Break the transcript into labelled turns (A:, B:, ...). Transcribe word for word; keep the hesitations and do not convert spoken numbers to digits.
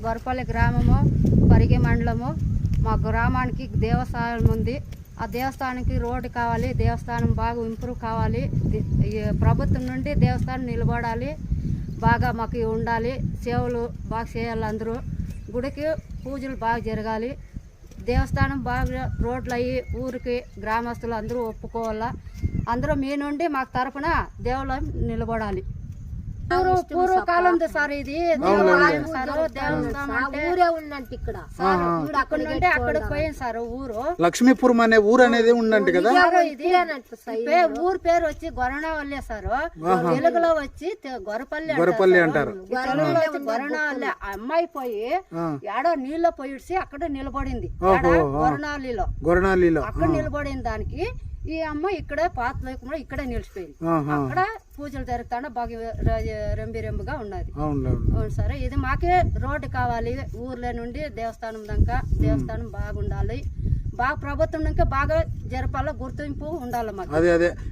A: గొరపల్లి గ్రామము, పరిగి మండలము. మా గ్రామానికి దేవస్థానం ఉంది. ఆ దేవస్థానానికి రోడ్డు కావాలి, దేవస్థానం బాగా ఇంప్రూవ్ కావాలి. ప్రభుత్వం నుండి దేవస్థానం నిలబడాలి, బాగా మాకు ఉండాలి. సేవలు బాగా చేయాలి, అందరూ గుడికి పూజలు బాగా జరగాలి. దేవస్థానం బాగా రోడ్లు అయ్యి ఊరికి గ్రామస్తులు అందరూ ఒప్పుకోవాలా. అందరూ మీ నుండి మాకు తరపున దేవాలయం నిలబడాలి. పూర్వ పూర్వకాలం సార్ ఇది దేవాలయం సార్. దేవస్థానం ఊరే ఉందంటే ఇక్కడ అక్కడ నుండి అక్కడికి పోయింది సార్ ఊరు.
B: లక్ష్మీపురం అనే ఊరు అనేది ఉందంటే కదా.
A: ఇది ఊరు పేరు వచ్చి గొరణవల్లి సార్. తెలుగులో వచ్చి గొరపల్లి
B: గొరపల్లి అంటారు.
A: తెలుగులో వచ్చి గొరణవల్లి. అమ్మాయి పోయి ఏడో నీళ్ళ పోయిడ్చి అక్కడ నిలబడింది గొరణవల్లిలో.
B: గొరణవల్లిలో
A: అక్కడ నిలబడిన దానికి ఈ అమ్మ ఇక్కడే పాత లేకుండా ఇక్కడే నిలిచిపోయింది. అక్కడ పూజలు జరుగుతానే బాగా రెంబి రెంబుగా ఉన్నది. అవును సరే, ఇది మాకే రోడ్డు కావాలి. ఊర్లో నుండి దేవస్థానం దాకా దేవస్థానం బాగుండాలి. బాగా ప్రభుత్వం ఇంకా బాగా జరపాలో గుర్తింపు ఉండాలి మాకు.